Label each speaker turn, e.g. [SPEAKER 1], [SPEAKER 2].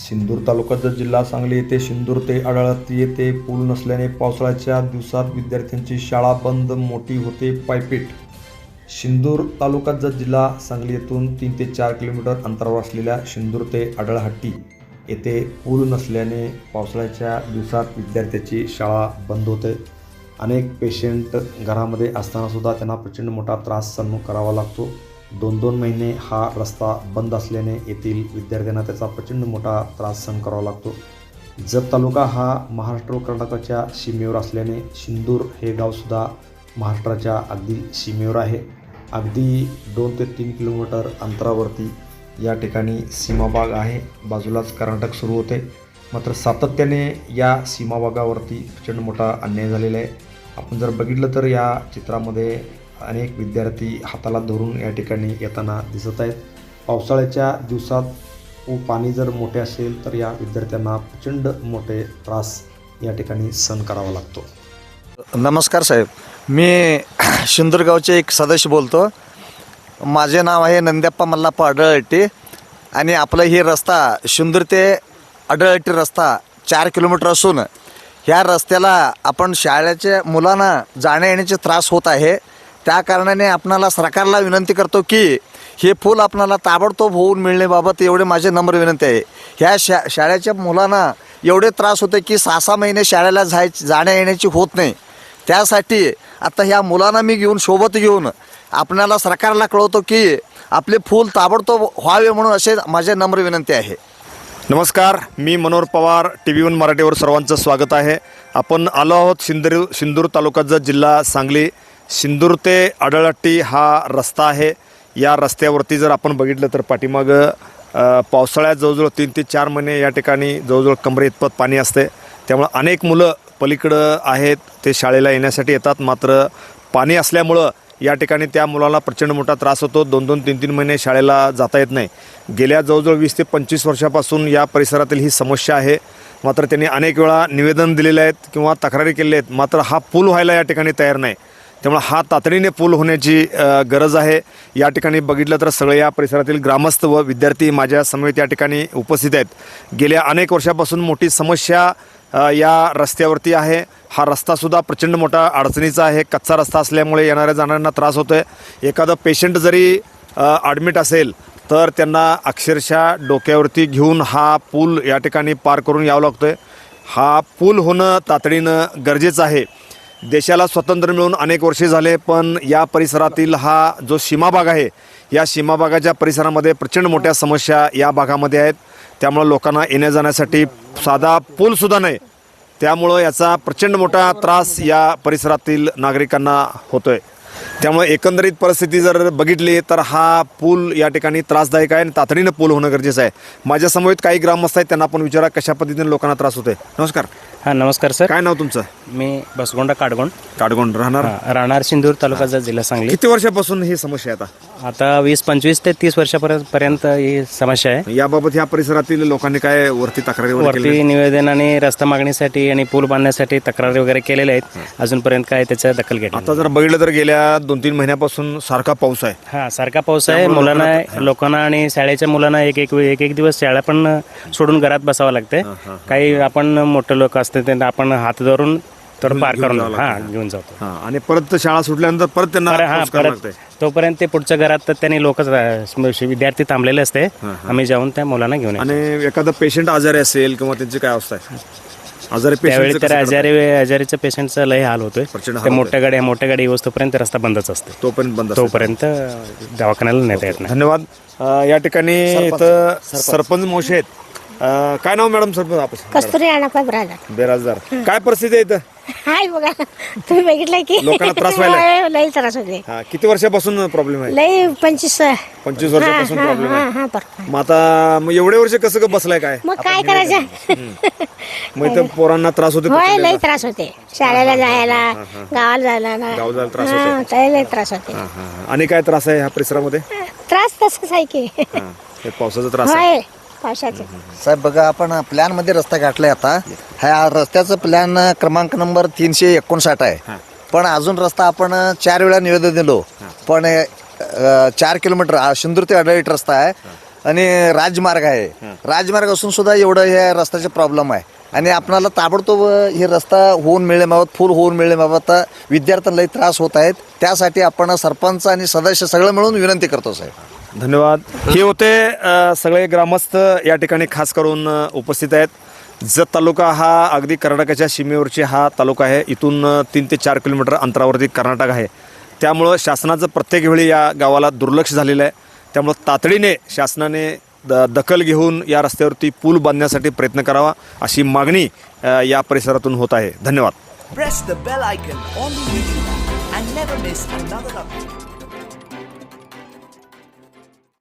[SPEAKER 1] सिंदूर तालुक्याचा जिल्हा सांगली येथे सिंदूर ते आढळती येथे पूल नसल्याने पावसाळ्याच्या दिवसात विद्यार्थ्यांची शाळा बंद, मोठी होते पायपीट. सिंदूर तालुक्याचा जिल्हा सांगली येथून 3 ते 4 किलोमीटर अंतरावर असलेल्या सिंदूर ते आढळहट्टी येथे पूल नसल्याने पावसाळ्याच्या दिवसात विद्यार्थ्यांची शाळा बंद होते. अनेक पेशंट घरामध्ये असतानासुद्धा त्यांना प्रचंड मोठा त्रास सहन करावा लागतो. 2-2 महिने हा रस्ता बंद असल्याने येथील विद्यार्थ्यांना त्याचा प्रचंड मोठा त्रास सहन करावा लागतो. जत तालुका हा महाराष्ट्र व कर्नाटकाच्या सीमेवर असल्याने सिंदूर हे गावसुद्धा महाराष्ट्राच्या अगदी सीमेवर आहे. अगदी 2 ते 3 किलोमीटर अंतरावरती या ठिकाणी सीमाभाग आहे. बाजूलाच कर्नाटक सुरू होते. मात्र सातत्याने या सीमाभागावरती प्रचंड मोठा अन्याय झालेला आहे. आपण जर बघितलं तर या चित्रामध्ये अनेक विद्यार्थी हाताला धरून या ठिकाणी येताना दिसत आहेत. पावसाळ्याच्या दिवसात पाणी जर मोठे असेल तर या विद्यार्थ्यांना प्रचंड मोठे त्रास या ठिकाणी सहन करावा लागतो.
[SPEAKER 2] नमस्कार साहेब, मी सिंदूर गावचे एक सदस्य बोलतो. माझे नाव आहे नंद्याप्पा मल्लाप्पा आढळहट्टी आणि आपलं हे रस्ता सिंदूर ते आढळहट्टी रस्ता 4 किलोमीटर असून ह्या रस्त्याला आपण शाळेच्या मुलांना जाण्या येण्याचे त्रास होत आहे. त्या कारणाने आपणाला सरकारला विनंती करतो की हे पूल आपणाला ताबडतोब होऊन मिळण्याबाबत एवढे माझे नम्र विनंती आहे. ह्या शाळेच्या मुलांना एवढे त्रास होते की 6-6 महिने शाळेला जाण्या येण्याची होत नाही. त्यासाठी आता ह्या मुलांना मी सोबत घेऊन आपणाला सरकारला कळवतो की आपले पूल ताबडतोब व्हावे म्हणून असे माझे नम्र विनंती आहे.
[SPEAKER 3] नमस्कार, मी मनोहर पवार, TV1 मराठीवर सर्वांचं स्वागत आहे. आपण आलो आहोत सिंदूर तालुक्याचा जिल्हा सांगली. सिंदूर ते आढळहट्टी हा रस्ता आहे. या रस्त्यावरती जर आपण बघितलं तर पाठीमागं पावसाळ्यात जवळजवळ 3 ते 4 महिने या ठिकाणी जवळजवळ कमरे इतपत पाणी असते. त्यामुळं अनेक मुलं पलीकडं आहेत ते शाळेला येण्यासाठी येतात. मात्र पाणी असल्यामुळं या ठिकाणी त्या मुलाला प्रचंड मोठा त्रास होतो. 2-2, 3-3 महिने शाळेला जाता येत नाही. गेल्या जवळजवळ 20 ते 25 वर्षापासून या परिसरातील ही समस्या आहे. मात्र त्यांनी अनेक वेळा निवेदन दिलेले आहेत किंवा तक्रारी केलेल्या आहेत. मात्र हा पूल व्हायला या ठिकाणी तयार नाही. त्यामुळे हा तातडीने पूल होण्याची गरज आहे. या ठिकाणी बघितलं तर सगळे या परिसरातील ग्रामस्थ व विद्यार्थी माझ्या समवेत या ठिकाणी उपस्थित आहेत. गेल्या अनेक वर्षापासून मोठी समस्या या रस्त्यावरती आहे. हा रस्तासुद्धा प्रचंड मोठा अडचणीचा आहे. कच्चा रस्ता असल्यामुळे येणाऱ्या जाणाऱ्यांना त्रास होतो आहे. एखादं पेशंट जरी ॲडमिट असेल तर त्यांना अक्षरशः डोक्यावरती घेऊन हा पूल या ठिकाणी पार करून यावं लागतो आहे. हा पूल होणं तातडीनं गरजेचं आहे. देशाला स्वातंत्र्य मिळून अनेक वर्षे झाले, पण या परिसरातील हा जो सीमाभाग आहे या सीमाभागाच्या परिसरामध्ये प्रचंड मोठ्या समस्या या भागामध्ये आहेत. त्यामुळं लोकांना येण्या जाण्यासाठी साधा पूलसुद्धा नाही. त्यामुळं याचा प्रचंड मोठा त्रास या परिसरातील नागरिकांना होतो आहे. त्यामुळे एकंदरीत परिस्थिती जर बघितली तर हा पूल या ठिकाणी त्रासदायक आहे आणि तातडीनं पूल होणं गरजेचं आहे. माझ्या समवेत काही ग्रामस्थ आहेत, त्यांना आपण विचारा कशा पद्धतीने लोकांना त्रास होतोय. नमस्कार.
[SPEAKER 4] हां, नमस्कार सर.
[SPEAKER 3] काय नाव तुमचं?
[SPEAKER 4] मी बसगोंडा
[SPEAKER 3] काडगोंड
[SPEAKER 4] राहणार सिंदूर तालुक्याचा जिल्हा सांगली.
[SPEAKER 3] किती वर्षापासून ही समस्या आहे?
[SPEAKER 4] आता 20-25 ते 30 वर्षापर्यंत ही समस्या आहे.
[SPEAKER 3] याबाबत ह्या परिसरातील लोकांनी काय वरती तक्रारी
[SPEAKER 4] वरती निवेदन आणि रस्ता मागणीसाठी आणि पूल बांधण्यासाठी तक्रारी वगैरे केलेल्या आहेत. अजूनपर्यंत काय त्याचा दखल घेतली.
[SPEAKER 3] आता जर बघितलं तर गेल्या 2-3 महिन्यापासून सारखा पाऊस आहे.
[SPEAKER 4] हां, सारखा पाऊस आहे. लोकांना आणि शाळेच्या मुलांना एक दिवस शाळा पण सोडून घरात बसावं लागते. काही आपण मोठे लोक असते त्यांना आपण हात धरून तर पार करून घेऊन जातो.
[SPEAKER 3] आणि परत शाळा सुटल्यानंतर परत त्यांना
[SPEAKER 4] तोपर्यंत ते पुढच्या घरात त्यांनी लोक विद्यार्थी थांबलेले असते. आम्ही जाऊन त्या मुलांना घेऊन येतो.
[SPEAKER 3] आणि एखादा पेशंट आजारी असेल किंवा त्यांची काय अवस्था आहे?
[SPEAKER 4] त्यावेळी तर आजारीच्या पेशंटचा लय हाल होतोय. ते मोठ्या गाडी येऊस्तोपर्यंत रस्ता बंदच असते. तोपर्यंत दवाखान्याला नेता येत नाही.
[SPEAKER 3] धन्यवाद. या ठिकाणी इथं सरपंच मावशी आहेत. काय नाव मॅडम सरपंच?
[SPEAKER 5] कस्तुरी अण्णापा
[SPEAKER 3] बेराजदार. काय परिस्थिती आहे इथं?
[SPEAKER 5] हाय बघा, तुम्ही बघितलं की
[SPEAKER 3] लोकांना त्रास व्हायला?
[SPEAKER 5] लई त्रास होते.
[SPEAKER 3] किती वर्षापासून प्रॉब्लेम आहे?
[SPEAKER 5] लई 25
[SPEAKER 3] वर्षापासून प्रॉब्लेम आहे. मग आता एवढे वर्ष कसं बसलाय काय?
[SPEAKER 5] मग काय करायचं?
[SPEAKER 3] मग इथं पोरांना त्रास होते?
[SPEAKER 5] होय, लई त्रास होते. शाळेला जायला, गावाला जायला ना,
[SPEAKER 3] गावाला त्रास होते.
[SPEAKER 5] लई त्रास होते.
[SPEAKER 3] आणि काय त्रास आहे ह्या परिसरामध्ये?
[SPEAKER 5] त्रास तसंच आहे की
[SPEAKER 3] पावसाचा त्रास आहे.
[SPEAKER 5] होय, पावसाचे.
[SPEAKER 2] साहेब बघा, आपण प्लॅनमध्ये रस्ता गाठलाय. आता ह्या रस्त्याचं प्लॅन क्रमांक नंबर 359 आहे. पण अजून रस्ता आपण 4 वेळा निवेदन दिलो. पण 4 किलोमीटर सिंदूर ते आढळहट्टी रस्ता आहे. आणि राजमार्ग आहे. राजमार्ग असून सुद्धा एवढं हे रस्त्याचे प्रॉब्लेम आहे आणि आपणाला ताबडतोब हे रस्ता होऊन मिळेमावत फुल होऊन मिळेमावत विद्यार्थ्यांनाही त्रास होत आहेत. त्यासाठी आपण सरपंच आणि सदस्य सगळं मिळून विनंती करतो साहेब.
[SPEAKER 3] धन्यवाद. हे होते सगळे ग्रामस्थ या ठिकाणी खास करून उपस्थित आहेत. जत तालुका हा अगदी कर्नाटकाच्या सीमेवरची हा तालुका आहे. इथून 3 ते 4 किलोमीटर अंतरावरती कर्नाटक आहे. त्यामुळं शासनाचं प्रत्येक वेळी या गावाला दुर्लक्ष झालेलं आहे. त्यामुळं तातडीने शासनाने दखल घेऊन या रस्त्यावरती पूल बांधण्यासाठी प्रयत्न करावा अशी मागणी या परिसरातून होत आहे. धन्यवाद.
[SPEAKER 6] Press the bell icon on the YouTube app and never miss another update.